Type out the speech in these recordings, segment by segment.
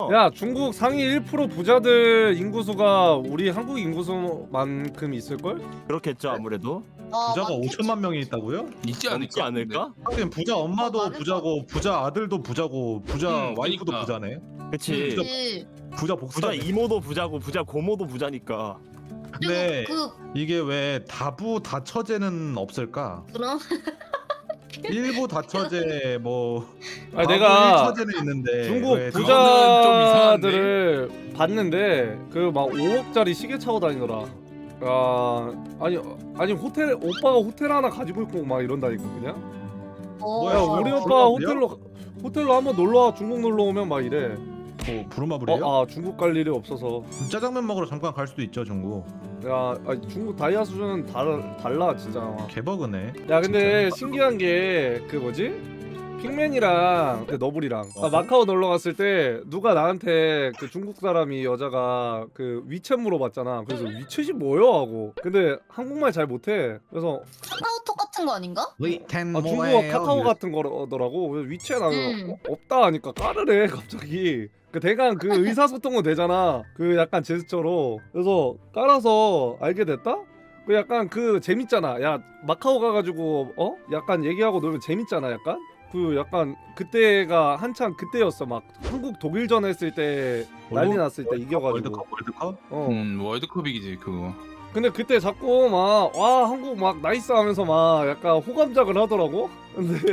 야 중국 상위 1% 부자들 인구수가 우리 한국 인구수만큼 있을걸? 그렇겠죠 아무래도. 부자가 많겠지. 5천만 명이 있다고요? 있지 않을까? 있지 않을까? 하긴 부자 엄마도 많을 부자고 부자 아들도 부자고 부자 와이프도 그러니까. 부자네. 그치. 그치. 부자 부자 복사네. 이모도 부자고 부자 고모도 부자니까. 근데 그리고 이게 왜 다부 다처제는 없을까? 그럼 일부 다처제 뭐 아니 다부 내가 일처제는 있는데 중국 왜 그거는 좀 부자들을 봤는데 그 막 5억짜리 시계 차고 다니더라. 아니 호텔 오빠가 호텔 하나 가지고 있고 막 이런다니까 그냥. 뭐야, 야 어, 우리 어, 오빠 부르마블이야? 호텔로 한번 놀러 와 중국 놀러 오면 막 이래. 뭐 부루마블이에요? 중국 갈 일이 없어서. 짜장면 먹으러 잠깐 갈 수도 있죠 중국. 야 중국 다이아 수준은 달라 진짜. 개버그네. 야 근데 진짜. 신기한 게 그 뭐지? 핑맨이랑 너블이랑 어? 마카오 놀러 갔을 때 누가 나한테 그 중국 사람이 여자가 그 위챗 물어봤잖아. 그래서 위챗이 뭐요 하고. 근데 한국말 잘 못해. 그래서 카카오톡 같은 거 아닌가? 중국어 카카오 같은 거더라고. 그래서 위챗 하면 없다 하니까 까르래 갑자기. 그 대강 그 의사소통은 되잖아. 그 약간 제스처로. 그래서 깔아서 알게 됐다? 그 약간 그 재밌잖아. 야 마카오 가가지고 약간 얘기하고 놀면 재밌잖아 약간. 그 약간 그때가 한창 그때였어. 막 한국 독일전 했을 때 난리 났을 때 이겨가지고. 월드컵? 월드컵이지 그거. 근데 그때 자꾸 막 와 한국 막 나이스 하면서 막 약간 호감작을 하더라고. 근데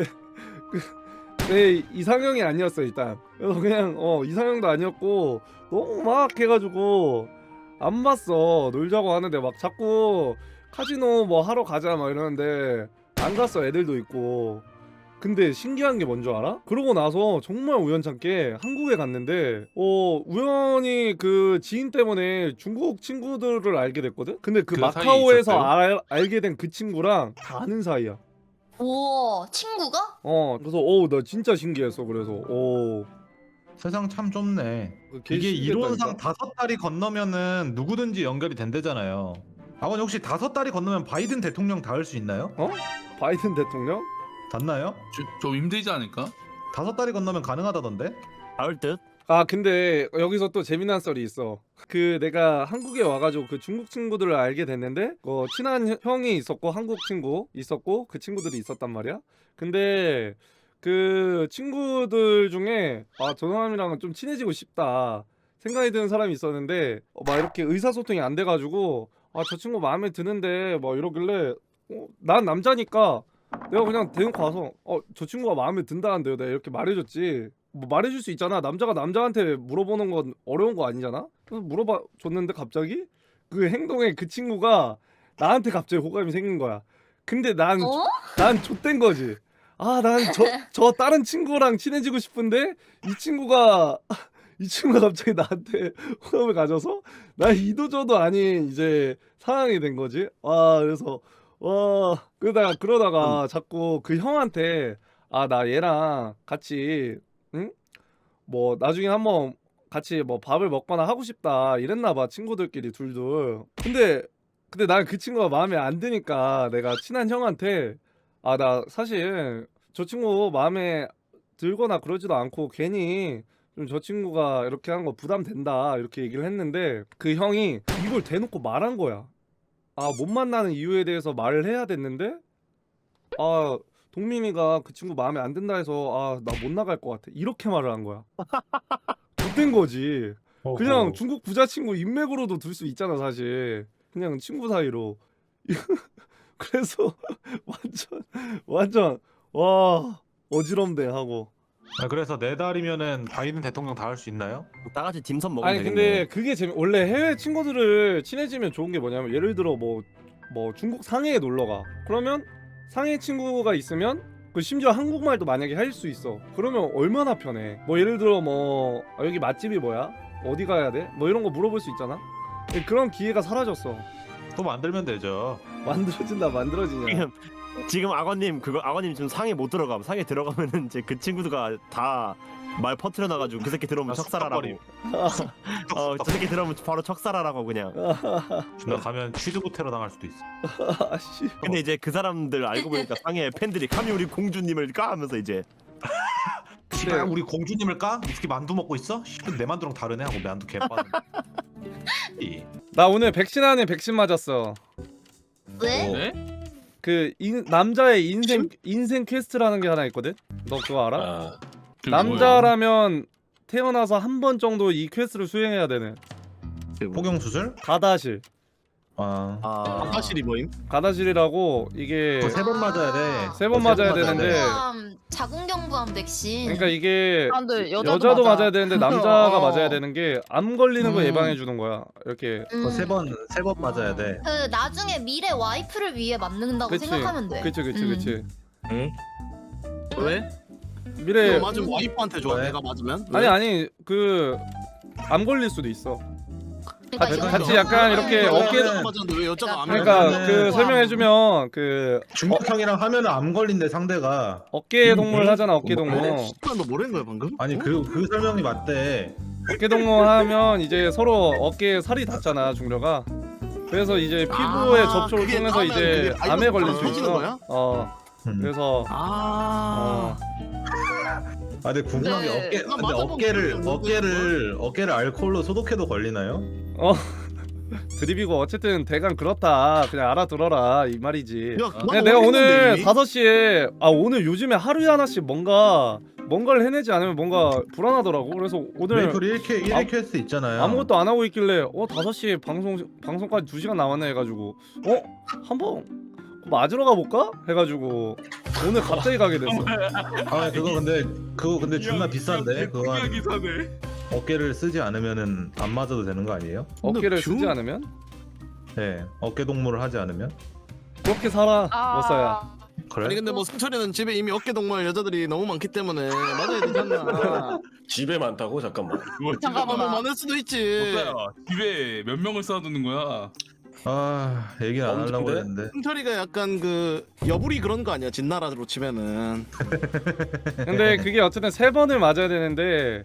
내 이상형이 아니었어 일단. 그래서 그냥 이상형도 아니었고 너무 막 해가지고 안 봤어. 놀자고 하는데 막 자꾸 카지노 뭐 하러 가자 막 이러는데 안 갔어. 애들도 있고. 근데 신기한 게 뭔지 알아? 그러고 나서 정말 우연찮게 한국에 갔는데 우연히 그 지인 때문에 중국 친구들을 알게 됐거든? 근데 그 그 마카오에서 사이에 알게 된 그 친구랑 다 아는 사이야. 우와 친구가? 그래서 나 진짜 신기했어. 그래서 세상 참 좁네. 걔 이게 신기했다니까. 이론상 5달이 건너면은 누구든지 연결이 된대잖아요. 아버님 혹시 5달이 건너면 바이든 대통령 닿을 수 있나요? 바이든 대통령? 닿나요? 좀 힘들지 않을까? 5달이 건너면 가능하다던데? 닿을 듯. 근데 여기서 또 재미난 썰이 있어. 그 내가 한국에 와가지고 그 중국 친구들을 알게 됐는데 친한 형이 있었고 한국 친구 있었고 그 친구들이 있었단 말이야. 근데 그 친구들 중에 저 사람이랑은 좀 친해지고 싶다 생각이 드는 사람이 있었는데 막 이렇게 의사소통이 안 돼가지고 저 친구 마음에 드는데 뭐 이러길래 난 남자니까 내가 그냥 대놓고 가서 저 친구가 마음에 든다는데요 내가 이렇게 말해줬지. 뭐 말해줄 수 있잖아. 남자가 남자한테 물어보는 건 어려운 거 아니잖아. 그래서 물어봐 줬는데 갑자기 그 행동에 그 친구가 나한테 갑자기 호감이 생긴 거야. 근데 난 좆된 거지. 난 저 다른 친구랑 친해지고 싶은데 이 친구가 갑자기 나한테 호감을 가져서 나 이도저도 아닌 이제 상황이 된 거지. 그래서 그러다가 자꾸 그 형한테 나 얘랑 같이 뭐 나중에 한번 같이 뭐 밥을 먹거나 하고 싶다 이랬나 봐. 친구들끼리 둘둘. 근데 난 그 친구가 마음에 안 드니까 내가 친한 형한테 나 사실 저 친구 마음에 들거나 그러지도 않고 괜히 좀 저 친구가 이렇게 한 거 부담된다 이렇게 얘기를 했는데 그 형이 이걸 대놓고 말한 거야. 못 만나는 이유에 대해서 말을 해야 됐는데 동민이가 그 친구 마음에 안 든다 해서 나 못 나갈 것 같아 이렇게 말을 한 거야. 못된 거지. 그냥 중국 부자 친구 인맥으로도 둘 수 있잖아 사실. 그냥 친구 사이로. 그래서 완전 와 어지럽네 하고. 그래서 4달이면은 바이든 대통령 닿을 수 있나요? 다 같이 딤섬 먹으면 아니 되겠네. 근데 그게 원래 해외 친구들을 친해지면 좋은 게 뭐냐면 예를 들어 뭐 중국 상해에 놀러 가. 그러면 상해 친구가 있으면 심지어 한국말도 만약에 할 수 있어. 그러면 얼마나 편해. 뭐 예를 들어 여기 맛집이 뭐야? 어디 가야 돼? 뭐 이런 거 물어볼 수 있잖아. 그런 기회가 사라졌어. 또 만들면 되죠. 만들어지냐? 지금 악어님 지금 상해 못 들어감. 상해 들어가면은 이제 그 친구가 다 말 퍼트려 놔가지고 그 새끼 들어오면 척살하라고. 저 새끼 들어오면 바로 척살하라고 그냥. 나 가면 취두부 테러 당할 수도 있어. 씨. 근데 이제 그 사람들 알고 보니까 상해 팬들이 감히 우리 공주님을 까 하면서 이제 씨발 우리 공주님을 까? 이렇게 만두 먹고 있어? 씨발 내 만두랑 다르네 하고 만두 개빠는. 나 오늘 백신 아닌 백신 맞았어. 왜? 네? 그 남자의 인생 퀘스트라는 게 하나 있거든. 너 그거 알아? 아, 그게 뭐예요? 남자라면 태어나서 한 번 정도 이 퀘스트를 수행해야 되는 포경 수술? 가다실. 아. 사실이 뭐임? 가다실이라고 이게 그거 3번 맞아야 돼. 세번 맞아야 되는데. 자궁경부암 백신. 그러니까 이게 아, 근데 여자도 맞아. 맞아야 되는데 남자가 어. 맞아야 되는 게 암 걸리는 거 예방해 주는 거야. 이렇게. 그거 3번 맞아야 돼. 그 나중에 미래 와이프를 위해 맞는다고 그치. 생각하면 돼. 그치. 응? 왜? 미래 이거 맞으면 와이프한테 줘. 왜? 내가 맞으면? 아니 그 암 걸릴 수도 있어. 그러니까 같이 이거- 약간 이렇게 왜 어깨 여자가 맞았는데 왜 여자가 안 그러니까 맞았는데? 그 설명해 주면 그 중력형이랑 하면은 암 걸린대 상대가. 어깨 동물 하잖아. 어깨 동물. 너 뭐라는 거야 방금? 아니 그 설명이 맞대. 어깨 동무 하면 이제 서로 어깨에 살이 닿잖아 중려가. 그래서 이제 피부의 아, 접촉을 그게 통해서 나면 이제 그게 암에 걸릴 수 터지는 있어. 거야? 그래서 아. 아 근데 궁금한 게 네. 근데 어깨를 알코올로 소독해도 걸리나요? 드립이고 어쨌든 대강 그렇다. 그냥 알아들어라 이 말이지. 야, 근데 내가 오늘 5시에 오늘 요즘에 하루에 하나씩 뭔가를 해내지 않으면 뭔가 불안하더라고. 그래서 오늘 메이플 1회 퀘스트 있잖아요. 아무것도 안 하고 있길래 5시에 방송까지 2시간 남았네 해가지고 한번 맞으러 가볼까? 해가지고 오늘 갑자기 가게 됐어. 아 그거 근데 존나 비싼데 그거 한 기사네. 어깨를 쓰지 않으면은 안 맞아도 되는 거 아니에요? 어깨를 뷰? 쓰지 않으면? 네 어깨 동무를 하지 않으면 그렇게 살아 아. 못사야. 그래? 아니 근데 뭐 승철이는 집에 이미 어깨 동무할 여자들이 너무 많기 때문에 맞아야 되지 않나? 집에 많다고 잠깐만. 잠깐만. 뭐 많을 수도 있지. 못사야. 집에 몇 명을 쌓아두는 거야? 아 얘기는 안 하려고 언제인데? 했는데 승철이가 약간 그 여불이 그런 거 아니야? 진나라로 치면은. 근데 그게 어쨌든 3번을 맞아야 되는데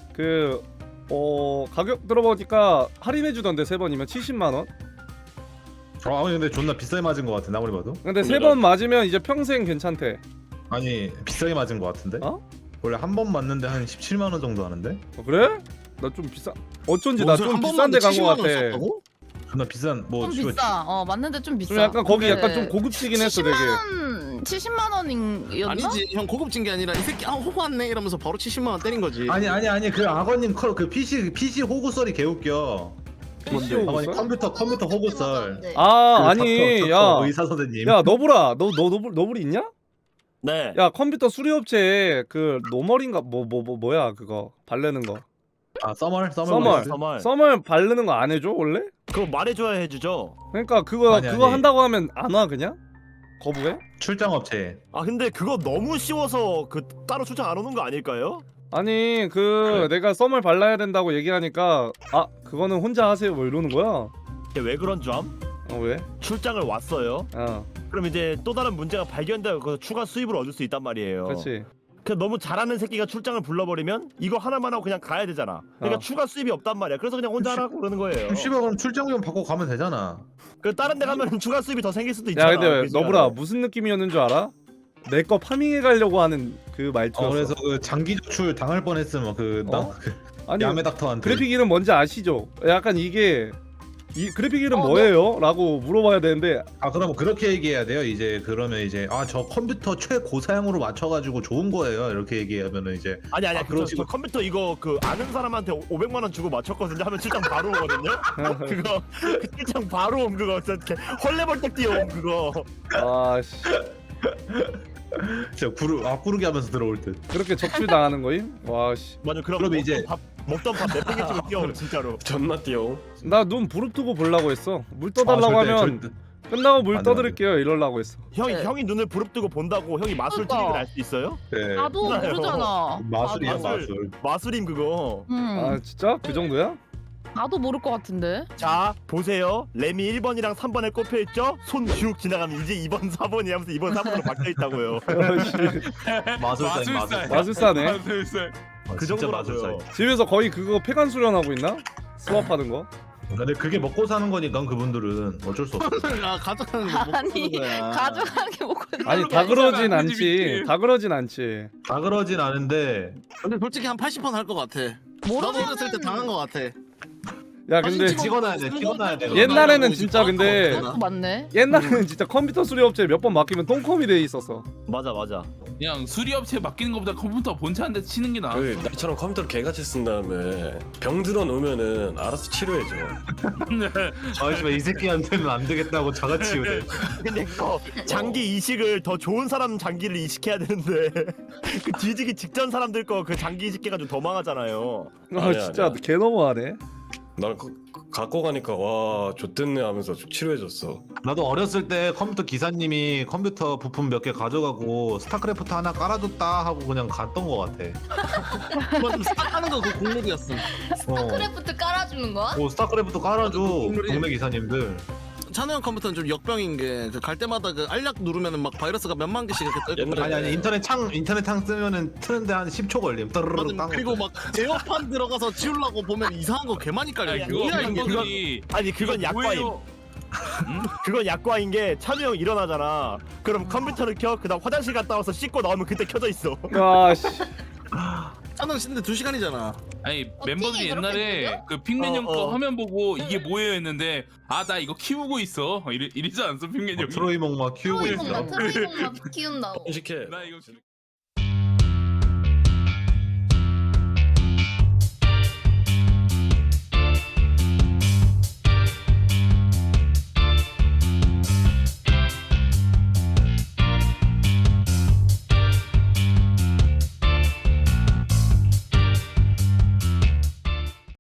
가격 들어보니까 할인해 주던데 3번이면 70만 원? 아니 근데 존나 비싸게 맞은 거 같은데 아무리 봐도 근데 3번 맞으면 이제 평생 괜찮대. 아니 비싸게 맞은 거 같은데 어? 원래 한 번 맞는데 한 17만 원 정도 하는데 그래? 나 좀 비싸. 어쩐지 나 좀 비싼 데 간 거 같아. 존나 비싼 뭐 좀 비싸. 맞는데 좀 비싸. 좀 약간 거기 근데 약간 좀 고급지긴 했어 되게. 70만 원이었나? 아니지 형 고급진 게 아니라 이 새끼 호구 왔네 이러면서 바로 70만 원 때린 거지. 아니 그 악어님 그 PC 호구썰이 개웃겨. PC 아니 호구썰? 컴퓨터 호구썰. 아니 의사 선생님. 야 너브라 너 너블 있냐? 네. 야 컴퓨터 수리업체 그 노멀인가 뭐야 그거 바르는 거. 서멀 썸을 바르는 거 안 해줘 원래? 그거 말해줘야 해주죠. 그러니까 그거 아니. 한다고 하면 안 와 그냥? 거부해? 출장업체. 아 근데 그거 너무 쉬워서 그 따로 출장 안 오는 거 아닐까요? 아니 그래. 내가 썸을 발라야 된다고 얘기하니까 그거는 혼자 하세요 뭐 이러는 거야. 이게 왜 그런 줄 암? 왜? 출장을 왔어요. 그럼 이제 또 다른 문제가 발견되고 그 추가 수입을 얻을 수 있단 말이에요. 그렇지. 그 너무 잘하는 새끼가 출장을 불러버리면 이거 하나만 하고 그냥 가야 되잖아. 그러니까 추가 수입이 없단 말이야. 그래서 그냥 혼자 하라고 그러는 거예요. 씨발 그럼 출장비용 받고 가면 되잖아. 그 다른 데 가면 추가 수입이 더 생길 수도 야 있잖아. 근데 그 시간에. 너브라 무슨 느낌이었는 줄 알아? 내 거 파밍해 가려고 하는 그 말투였어. 그래서 그 장기 조출 당할 뻔했으면 그 아니 야매 닥터한테. 그래픽 이름 뭔지 아시죠? 약간 이게 이 그래픽 이름 어, 뭐예요? 라고 물어봐야 되는데 그럼 그렇게 얘기해야 돼요. 이제 그러면 이제 저 컴퓨터 최고사양으로 맞춰가지고 좋은 거예요. 이렇게 얘기하면은 이제 아니 아, 저 그러시고. 컴퓨터 이거 그 아는 사람한테 500만 원 주고 맞췄거든요. 하면 출장 바로 오거든요. 그거 그 출장 바로 옴 그거 이렇게 헐레벌떡 뛰어옴 그거. 아씨 진짜 구르기 하면서 들어올 듯. 그렇게 적출 당하는 거임? 와씨 맞아. 그럼 이제- 먹던 밥 내팽개 치고 뛰어옴 진짜로. 존나 띄용. 나 눈 부릅뜨고 보려고 했어. 물 떠달라고 하면 끝나고 물 안 돼, 떠드릴게요 이러려고 했어. 형이 눈을 부릅뜨고 본다고 형이 마술 그러니까. 트릭을 알 수 있어요? 네. 나도 몰라요. 모르잖아. 마술이야 나도. 마술. 마술임 그거. 아 진짜? 그 정도야? 나도 모를 것 같은데. 자 보세요. 램이 1번이랑 3번에 꼽혀있죠? 손 쭉 지나가면 이제 2번 4번이 하면서 2번 3번으로 바뀌어있다고요. 마술사네. 마술사. 그 정도라고요. 집에서 거의 그거 폐관 수련하고 있나? 수업하는 거? 근데 그게 먹고 사는 거니까 그분들은 어쩔 수 없어. 아 가져가는 거 못 아니 보는 거야. 가져간 게 먹고 아니 다 그러진 안 않지. 되지, 다 그러진 않지. 다 그러진 않은데 근데 솔직히 한 80% 할 것 같아. 나도 어렸을 때 당한 것 같아. 야 근데 사진 찍어놔야 돼, 찍어놔야 돼. 옛날에는 진짜 근데 그것도 맞네. 옛날에는 진짜 컴퓨터 수리업체 몇 번 맡기면 똥컴이 돼 있었어. 맞아. 그냥 수리업체 맡기는 것보다 컴퓨터 본체 한 대 치는 게 나아. 그 나처럼 컴퓨터를 개같이 쓴 다음에 병 들어 놓으면은 알아서 치료해줘. 아이씨발 이 새끼한테는 안 되겠다고 자가치우래. 근데 그거 장기 이식을 더 좋은 사람 장기를 이식해야 되는데 그 뒤지기 직전 사람들 거 그 장기 이식해가지고 더 망하잖아요. 아 아니야, 진짜 아니야. 개 너무하네. 날 갖고 가니까 와 좆됐네 하면서 치료해줬어. 나도 어렸을 때 컴퓨터 기사님이 컴퓨터 부품 몇 개 가져가고 스타크래프트 하나 깔아줬다 하고 그냥 갔던 거 같아. 그거 좀 스타하는 거 그 국룰이었음. 스타크래프트 깔아주는 거야? 스타크래프트 깔아줘 국룰이- 동네 기사님들. 찬우 형 컴퓨터는 좀 역병인 게 그 갈 때마다 그 알약 누르면은 막 바이러스가 몇만 개씩 이렇게 뜨고. 옛날에 아니 인터넷 창 쓰면은 트는데 한 10초 걸림. 따르르르 맞아. 딴 그리고 거. 막 제어판 들어가서 지우려고 보면 이상한 거 개 많이 깔려. 아니 그거 뭐야 이게? 멤버들이 아니 그건 약과임. 뭐예요? 그건 약과인 게 찬우 형 일어나잖아. 그럼 컴퓨터를 켜. 그다음 화장실 갔다 와서 씻고 나오면 그때 켜져 있어. 아씨. 찬우 형 쉬는데 2시간이잖아. 아니 어떻게 멤버들이 그렇게 옛날에 들려? 그 핑맨 형 거 어. 화면 보고 이게 뭐예요 했는데 아 나 이거 키우고 있어 이러지 않았어 핑맨 형이? 트로이몽 막 키우고 있어. 트로이몽만 키운다고. 번식해. 나 이거